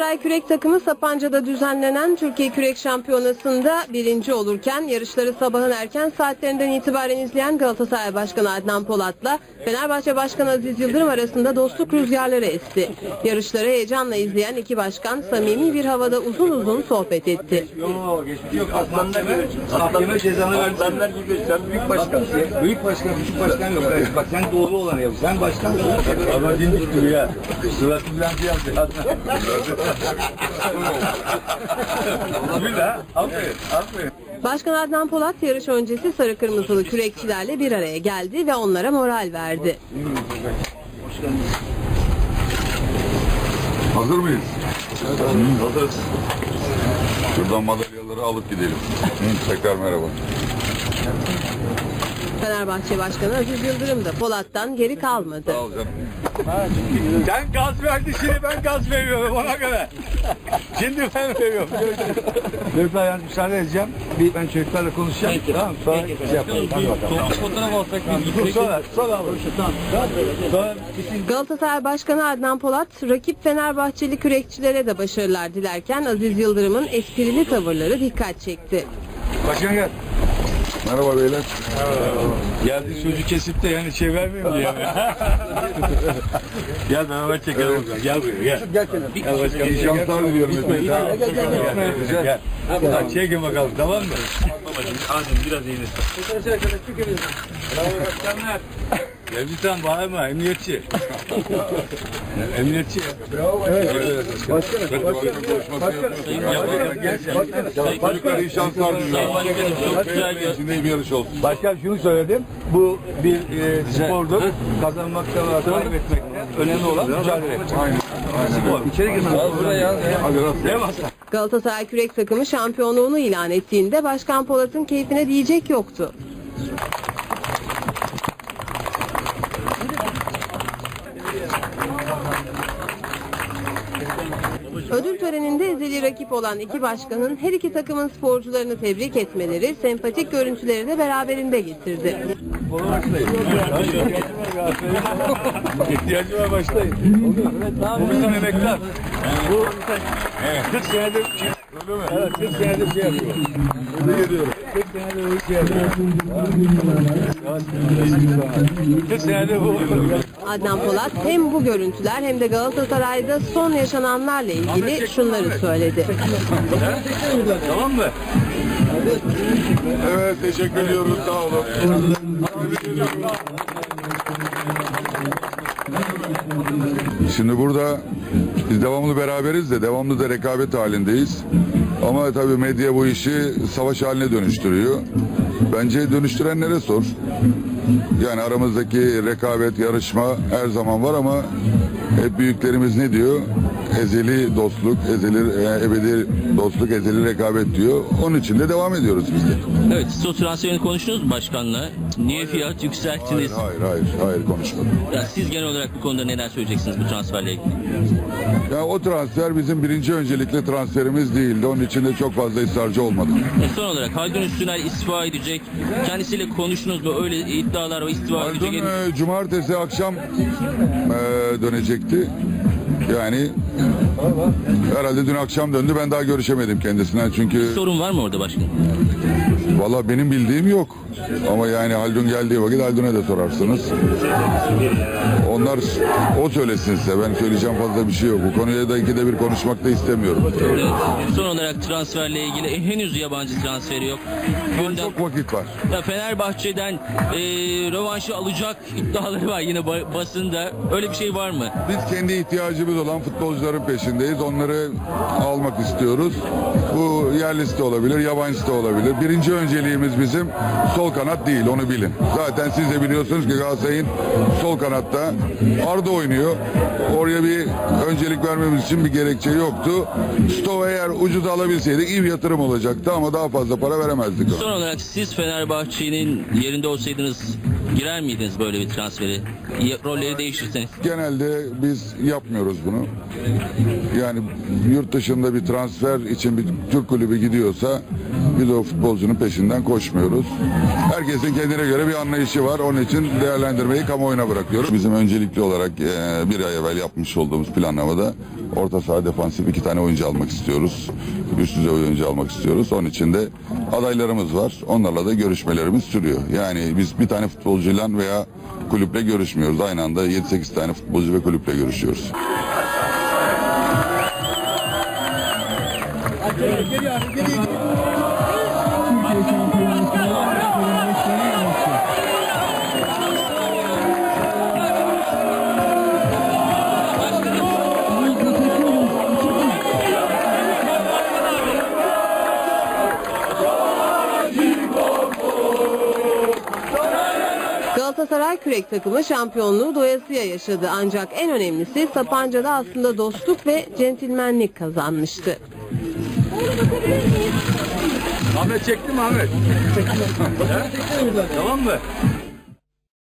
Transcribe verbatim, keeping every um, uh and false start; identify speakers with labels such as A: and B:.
A: Galatasaray Kürek takımı Sapanca'da düzenlenen Türkiye Kürek Şampiyonası'nda birinci olurken yarışları sabahın erken saatlerinden itibaren izleyen Galatasaray Başkanı Adnan Polat'la Fenerbahçe Başkanı Aziz Yıldırım arasında dostluk rüzgarları esti. Yarışları heyecanla izleyen iki başkan samimi bir havada uzun uzun sohbet etti.
B: Yok, geçmiş yok. Aslanlar gibi. Aslanlar cezanı verdi. Aslanlar gibi. Sen büyük başkansın. Büyük başkan, küçük başkan yok. Evet, bak sen doğru olanı yap. Sen başkansın. Ama dindik gibi ya. Sıratı bilançı yaptı. Güzel. Aferin. Aferin.
A: Başkan Adnan Polat yarış öncesi sarı kırmızılı kürekçilerle bir araya geldi ve onlara moral verdi.
C: Hazır mıyız? Hazırız. Şuradan madalyaları alıp gidelim. Tekrar merhaba.
A: Fenerbahçe Başkanı Aziz Yıldırım da Polat'tan geri kalmadı.
C: Sağ ol canım.
B: Sen gaz verdin, şimdi ben gaz veriyorum ona göre. Şimdi ben veriyorum. Çocuklar yani müsaade edeceğim. Bir ben çocuklarla konuşacağım. Peki. Tamam sonra şey yapalım. Tamam. Fotoğraf alsak biz. Sonra, sonra alalım. Tamam. Sonra
A: Galatasaray Başkanı Adnan Polat, rakip Fenerbahçeli kürekçilere de başarılar dilerken Aziz Yıldırım'ın esprili tavırları dikkat çekti.
B: Başkan gel.
C: Merhaba beyler.
B: Geldi çocuk kesip de yani şey vermiyor mu yani? Gel beraber çekelim. Gel buraya gel. Gel gel. Gel başkanım.
C: İyi şanslar diliyorum.
B: Gel gel gel. Gel. Gel. Çekin bakalım tamam mı? Babacığım ağzını biraz eğilin. Bravo başkanlar. Gel bağırma emniyetçi. Emniyetçi. Bravo. Evet.
C: Başkanım. Başkanım. Başkanım. İyi şanslar diliyorum. İçinde bir yarış olsun.
B: Başkan şunu söyledim. Bu bir e, spordur. Kazanmakta ve kaybetmekte önemli olan mücadele.
C: Aynen. Aynen.
B: İçeri girmez. Buraya.
C: Hadi rast.
A: Galatasaray Kürek takımı şampiyonluğunu ilan ettiğinde Başkan Polat'ın keyfine diyecek yoktu. Ödül töreninde ezeli rakip olan iki başkanın her iki takımın sporcularını tebrik etmeleri sempatik görüntüleri de beraberinde getirdi.
B: İhtiyacı var başlayın. Bu bizim emekler. Bu kırk senedir evet, kırk senedir şey yapıyor. Ne geliyorum? kırk senedir şey yapıyor. kırk senedir bu.
A: Adnan Polat hem bu görüntüler hem de Galatasaray'da son yaşananlarla ilgili şunları söyledi.
B: Tamam mı?
C: Evet teşekkür ediyoruz. Sağ olun. Şimdi burada biz devamlı beraberiz de devamlı da rekabet halindeyiz. Ama tabii medya bu işi savaş haline dönüştürüyor. Bence dönüştürenlere sor. Yani aramızdaki rekabet, yarışma her zaman var ama hep büyüklerimiz ne diyor? Ezeli dostluk, ezeli, ebedi dostluk, ezeli rekabet diyor. Onun için de devam ediyoruz biz de.
D: Evet, siz o transferini konuştunuz mu başkanla? Niye fiyat yükselttiniz?
C: Hayır, hayır, hayır, hayır konuşmadım.
D: Ya siz genel olarak bu konuda neler söyleyeceksiniz bu transferle ilgili?
C: Ya o transfer bizim birinci öncelikli transferimiz değildi. Onun için de çok fazla ısrarcı olmadım.
D: E son olarak Haldun Üstüner istifa edecek. Kendisiyle konuştunuz mu? Öyle iddialar var, istifa
C: Haldun
D: edecek.
C: e, cumartesi akşam e, dönecekti. Yani herhalde dün akşam döndü. Ben daha görüşemedim kendisinden çünkü
D: Sorun var mı orada başkanım?
C: valla benim bildiğim yok. Ama yani Haldun geldiği vakit Haldun'a da sorarsınız. Onlar o söylesin size. Ben söyleyeceğim fazla bir şey yok. Bu konuya da ikide bir konuşmak da istemiyorum.
D: Evet. Son olarak transferle ilgili e, henüz yabancı transferi yok. Gündem,
C: Çok vakit var.
D: ya Fenerbahçe'den e, rövanşı alacak iddiaları var yine ba- basında. Öyle bir şey var mı?
C: Biz kendi ihtiyacımız olan futbolcuların peşindeyiz. Onları almak istiyoruz. Bu yerlisi de olabilir, yabancısı da olabilir. Birinci önceliğimiz bizim sol kanat değil, onu bilin. Zaten siz de biliyorsunuz ki Galatasaray'ın sol kanatta Arda oynuyor. Oraya bir öncelik vermemiz için bir gerekçe yoktu. Stoğu eğer ucuza alabilseydik iyi bir yatırım olacaktı ama daha fazla para veremezdik.
D: Son olarak siz Fenerbahçe'nin yerinde olsaydınız girer miydiniz böyle bir transferi? Ya- Rolleri değiştirseniz.
C: Genelde biz yapmıyoruz bunu. Yani yurt dışında bir transfer için bir Türk kulübü gidiyorsa Biz o futbolcunun peşinden koşmuyoruz. Herkesin kendine göre bir anlayışı var. Onun için değerlendirmeyi kamuoyuna bırakıyoruz. Bizim öncelikli olarak e, bir ay evvel yapmış olduğumuz planlamada orta saha defansif iki tane oyuncu almak istiyoruz. Üst düzey oyuncu almak istiyoruz. Onun için de adaylarımız var. Onlarla da görüşmelerimiz sürüyor. Yani biz bir tane futbolcuyla veya kulüple görüşmüyoruz. Aynı anda yedi sekiz tane futbolcu ve kulüple görüşüyoruz.
A: Galatasaray kürek takımı şampiyonluğu doyasıya yaşadı. Ancak en önemlisi Sapanca'da aslında dostluk ve centilmenlik kazanmıştı.
B: Ahmet çekti mi Ahmet? Çekti. Tamam mı?